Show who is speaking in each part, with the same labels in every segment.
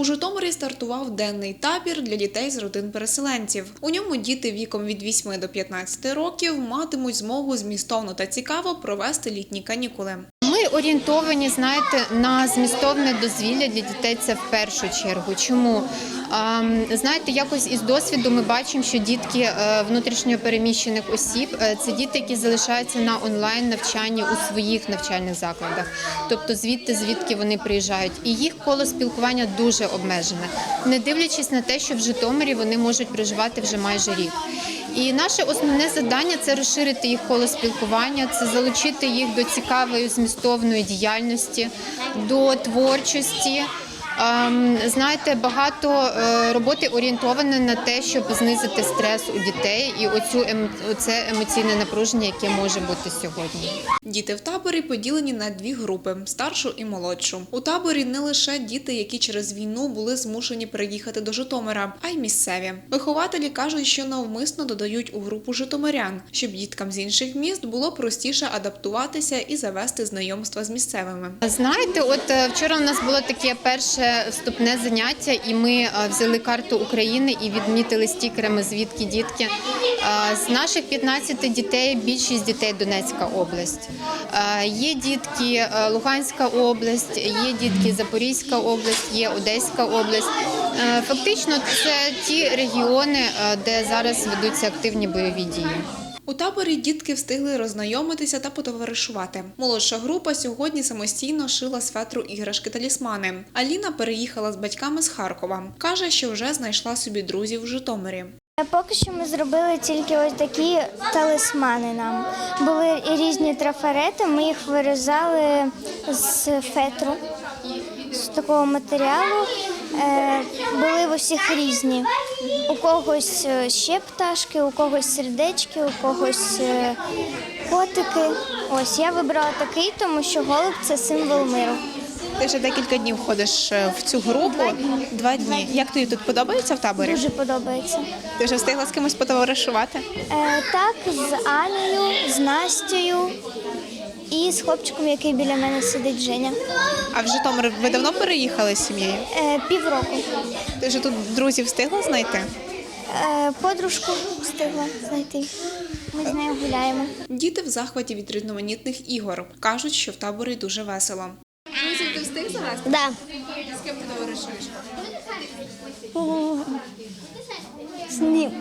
Speaker 1: У Житомирі стартував денний табір для дітей з родин переселенців. У ньому діти віком від 8 до 15 років матимуть змогу змістовно та цікаво провести літні канікули.
Speaker 2: Ми орієнтовані, знаєте, на змістовне дозвілля для дітей – це в першу чергу. Чому? Знаєте, якось із досвіду ми бачимо, що дітки внутрішньо переміщених осіб – це діти, які залишаються на онлайн-навчанні у своїх навчальних закладах. Тобто звідки вони приїжджають. І їх коло спілкування дуже обмежене, не дивлячись на те, що в Житомирі вони можуть проживати вже майже рік. І наше основне завдання – це розширити їх коло спілкування, це залучити їх до цікавої змістовної діяльності, до творчості. Знаєте, багато роботи орієнтоване на те, щоб знизити стрес у дітей і оце емоційне напруження, яке може бути сьогодні.
Speaker 1: Діти в таборі поділені на дві групи – старшу і молодшу. У таборі не лише діти, які через війну були змушені переїхати до Житомира, а й місцеві. Вихователі кажуть, що навмисно додають у групу житомирян, щоб діткам з інших міст було простіше адаптуватися і завести знайомства з місцевими.
Speaker 2: Знаєте, от вчора у нас було таке перше вступне заняття, і ми взяли карту України і відмітили стікерами, звідки дітки. З наших 15 дітей більшість дітей Донецька область. Є дітки Луганська область, є дітки Запорізька область, є Одеська область. Фактично це ті регіони, де зараз ведуться активні бойові дії.
Speaker 1: У таборі дітки встигли роззнайомитися та потоваришувати. Молодша група сьогодні самостійно шила з фетру іграшки-талісмани. Аліна переїхала з батьками з Харкова. Каже, що вже знайшла собі друзів в Житомирі.
Speaker 3: Поки що ми зробили тільки ось такі талісмани нам. Були різні трафарети, ми їх вирізали з фетру, з такого матеріалу. Були в усіх різні. У когось ще пташки, у когось сердечки, у когось котики. Ось я вибрала такий, тому що голуб – це символ миру.
Speaker 1: Ти вже декілька днів ходиш в цю групу. Два дні. Як тобі тут подобається в таборі?
Speaker 3: Дуже подобається.
Speaker 1: Ти вже встигла з кимось потоваришувати?
Speaker 3: Так, з Анею, з Настею і з хлопчиком, який біля мене сидить, Женя.
Speaker 1: А в Житомир ви давно переїхали з сім'єю?
Speaker 3: Півроку.
Speaker 1: Ти вже тут друзів встигла знайти?
Speaker 3: Подружку встигла знайти. Ми з нею гуляємо.
Speaker 1: Діти в захваті від різноманітних ігор. Кажуть, що в таборі дуже весело. Друзів ти встиг завести?
Speaker 3: Да.
Speaker 1: З ким ти товаришуєш?
Speaker 3: З ним.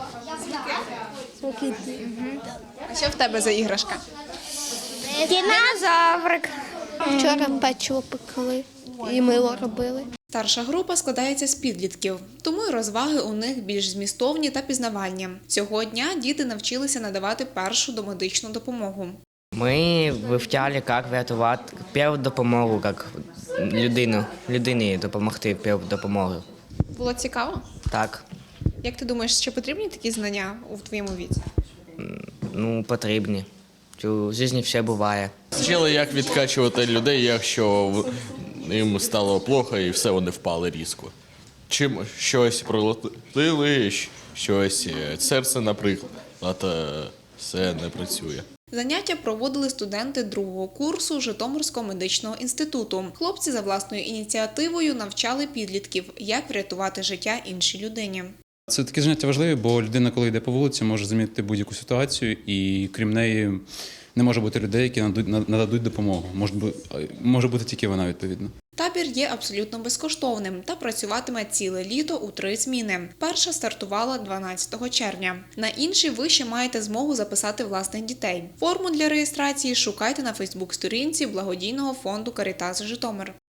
Speaker 1: А що в тебе за іграшка?
Speaker 3: Динозаврик.
Speaker 4: Вчора печиво пекли і мило робили.
Speaker 1: Старша група складається з підлітків, тому й розваги у них більш змістовні та пізнавальні. Цього дня діти навчилися надавати першу домедичну допомогу.
Speaker 5: Ми вивчали, як врятувати першу допомогу, як людині допомогти першу допомогу.
Speaker 1: Було цікаво?
Speaker 5: Так,
Speaker 1: Як ти думаєш, чи потрібні такі знання у твоєму віці?
Speaker 5: потрібні. У житті все буває.
Speaker 6: Вчили, як відкачувати людей, якщо їм стало плохо і все, вони впали різко. Чим щось пролетили, щось серце, наприклад, все не працює.
Speaker 1: Заняття проводили студенти другого курсу Житомирського медичного інституту. Хлопці за власною ініціативою навчали підлітків, як врятувати життя іншій людині.
Speaker 7: Це такі заняття важливі, бо людина, коли йде по вулиці, може замітити будь-яку ситуацію, і крім неї не може бути людей, які нададуть допомогу. Може бути тільки вона, відповідно.
Speaker 1: Табір є абсолютно безкоштовним та працюватиме ціле літо у 3 зміни. Перша стартувала 12 червня. На інші ви ще маєте змогу записати власних дітей. Форму для реєстрації шукайте на Фейсбук-сторінці благодійного фонду «Карітас Житомир».